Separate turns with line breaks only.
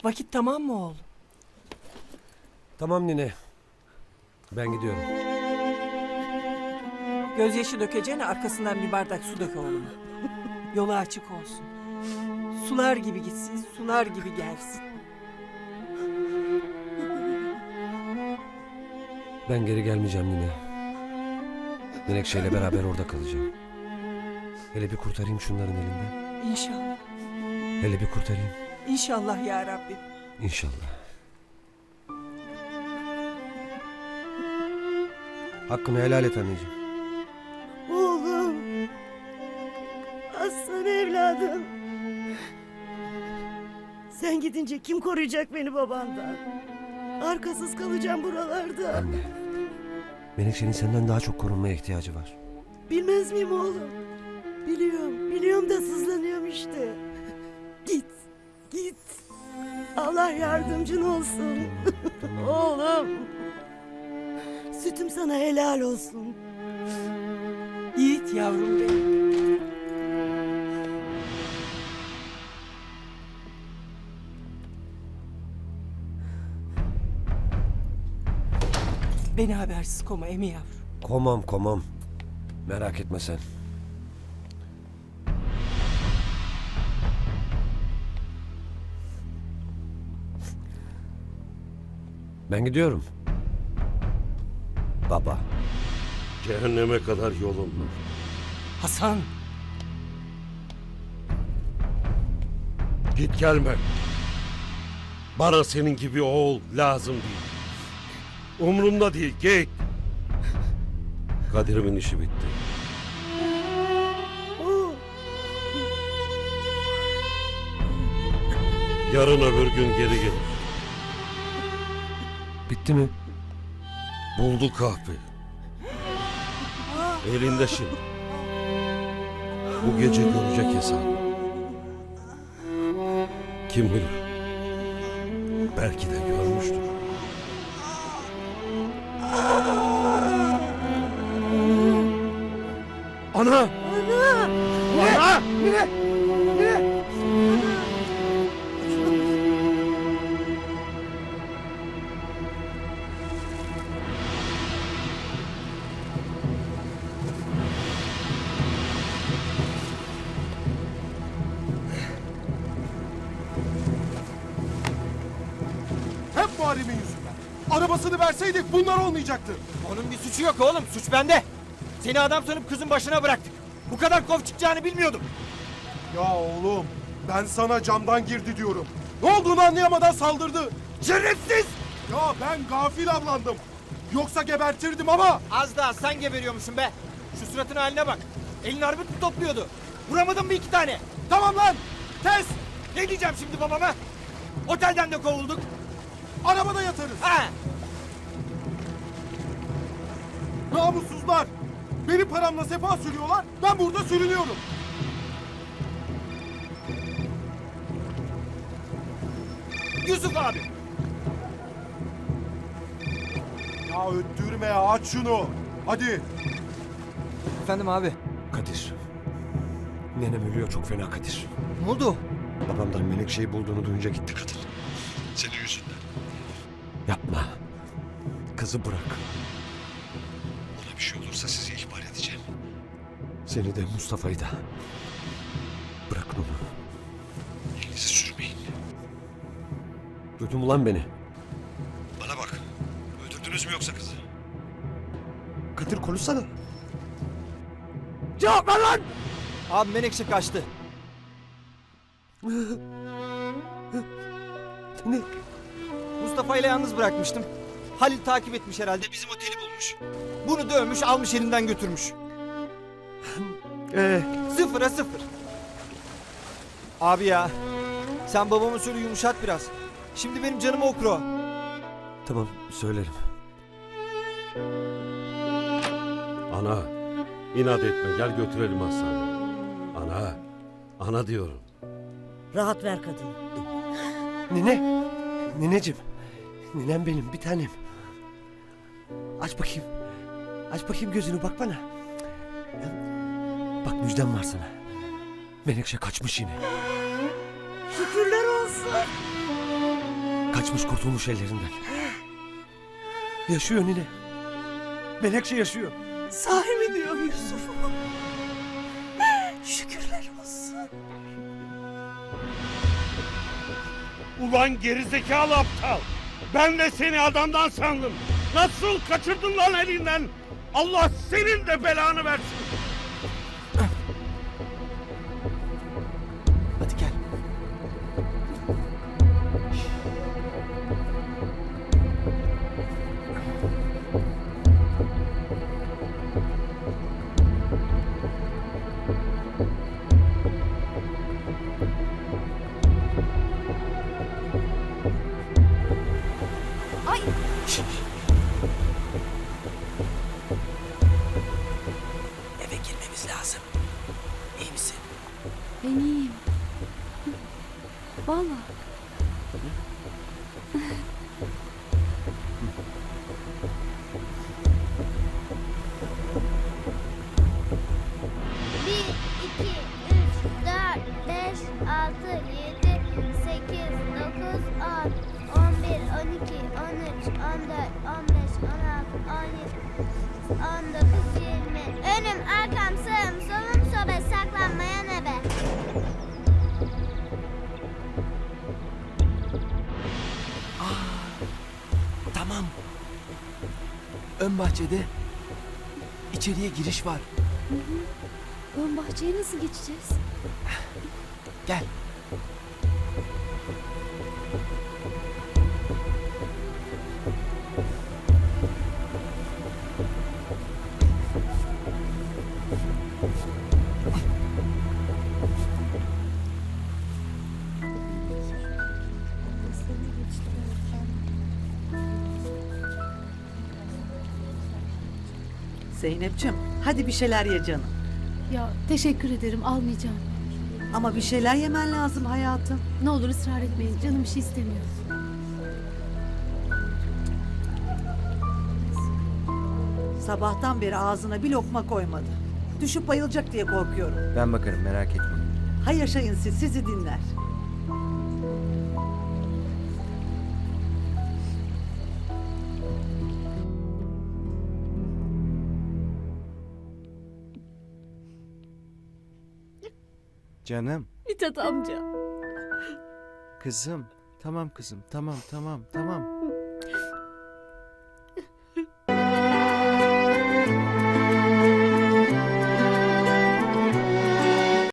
Vakit tamam mı oğlum?
Tamam nine. Ben gidiyorum.
Gözyaşı dökeceğine arkasından bir bardak su dök oğluma. Yolu açık olsun. Sular gibi gitsin, sular gibi gelsin.
Ben geri gelmeyeceğim nine. Menekşe'yle beraber orada kalacağım. Hele bir kurtarayım şunların elinden.
İnşallah.
Hele bir kurtarayım.
İnşallah ya Rabbim.
İnşallah. Hakkını helal et anneciğim.
Oğlum. Aslan evladım. Sen gidince kim koruyacak beni babandan? Arkasız kalacağım buralarda.
Anne. Menekşe'nin senden daha çok korunmaya ihtiyacı var.
Bilmez miyim oğlum? Biliyorum da sızlanıyorum işte. Git. Allah yardımcın olsun. Oğlum. Sütüm sana helal olsun.
Yiğit yavrum benim. Beni habersiz koma emi yavrum.
Komam. Merak etme sen. Ben gidiyorum. Baba.
Cehenneme kadar yolum var.
Hasan.
Git gelme. Bana senin gibi oğul lazım değil. Umrumda değil, git. Kadir'imin işi bitti. Yarın öbür gün geri gelir.
Bitti mi?
Buldu kahpe. Elinde şimdi. Bu gece görecek hesabı. Kim bilir? Belki de görmüştür. Ana! Ana!
Hep Muharrem'in yüzünden. Arabasını verseydik bunlar olmayacaktı.
Onun bir suçu yok oğlum. Suç bende. Seni adam sanıp kızın başına bıraktık. Bu kadar kov çıkacağını bilmiyordum.
Ya oğlum ben sana camdan girdi diyorum. Ne olduğunu anlayamadan saldırdı.
Şerefsiz!
Ya ben gafil avlandım. Yoksa gebertirdim ama.
Az daha sen geberiyormuşsun be. Şu suratın haline bak. Elin armut mu topluyordu? Vuramadın mı iki tane?
Tamam lan kes.
Ne diyeceğim şimdi babama? Otelden de kovulduk.
Arabada yatarız.
Ha!
Namussuzlar. Benim paramla sefa sürüyorlar. Ben burada sürünüyorum.
Yusuf abi.
Ya öttürme ya aç şunu. Hadi.
Efendim abi.
Kadir. Nenem ölüyor çok fena Kadir.
Ne oldu?
Babamdan Menekşe'yi bulduğunu duyunca gitti kadın. Senin yüzünden. Yapma. Kızı bırak. Ona bir şey olursa sizi ihbar edeceğim. Seni de Mustafa'yı da. Bırakın onu. Elinizi sürmeyin. Duydun mu lan beni? Bana bak. Öldürdünüz mü yoksa kızı? Kadir konuşsana.
Cevap ver lan! Abi Menekşe kaçtı.
Ne?
Mustafa ile yalnız bırakmıştım. Halil takip etmiş herhalde. Bizim oteli bulmuş. Bunu dövmüş, almış elinden götürmüş. Sıfıra sıfır. Abi ya, sen babamı söyle yumuşat biraz. Şimdi benim canımı okur o.
Tamam söylerim.
Ana, inat etme, gel götürelim hastaneye. Ana diyorum.
Rahat ver kadını.
Nine. Nineciğim. Ninem benim bir tanem. Aç bakayım. Aç bakayım gözünü bak bana. Bak müjdem var sana. Menekşe kaçmış yine.
Şükürler olsun.
Kaçmış kurtulmuş ellerinden. Yaşıyor nine. Menekşe yaşıyor.
Sahi mi diyor Yusuf? Şükürler olsun.
Ulan gerizekalı aptal. Ben de seni adamdan sandım. Nasıl kaçırdın lan elinden? Allah senin de belanı versin.
Hadi gel. Eve girmemiz lazım. İyi misin?
Ben iyiyim. Vallahi.
Bir, iki, üç, dört, beş, altı, yedi, sekiz, dokuz, on, 11, 12, 13, 14, 15, 16, 17, 19, 20. Önüm, arkam, sağım, solum, sobe, saklanmayan ebe.
Tamam. Ön bahçede içeriye giriş var.
Ön bahçeye nasıl geçeceğiz?
Gel.
Zeynep'ciğim hadi bir şeyler ye canım.
Ya teşekkür ederim, almayacağım.
Ama bir şeyler yemen lazım hayatım.
Ne olur ısrar etmeyin, canım bir şey istemiyor.
Sabahtan beri ağzına bir lokma koymadı. Düşüp bayılacak diye korkuyorum.
Ben bakarım, merak etme.
Hay yaşayın siz, sizi dinler.
Canım,
Mithat amca.
kızım. Tamam kızım, tamam.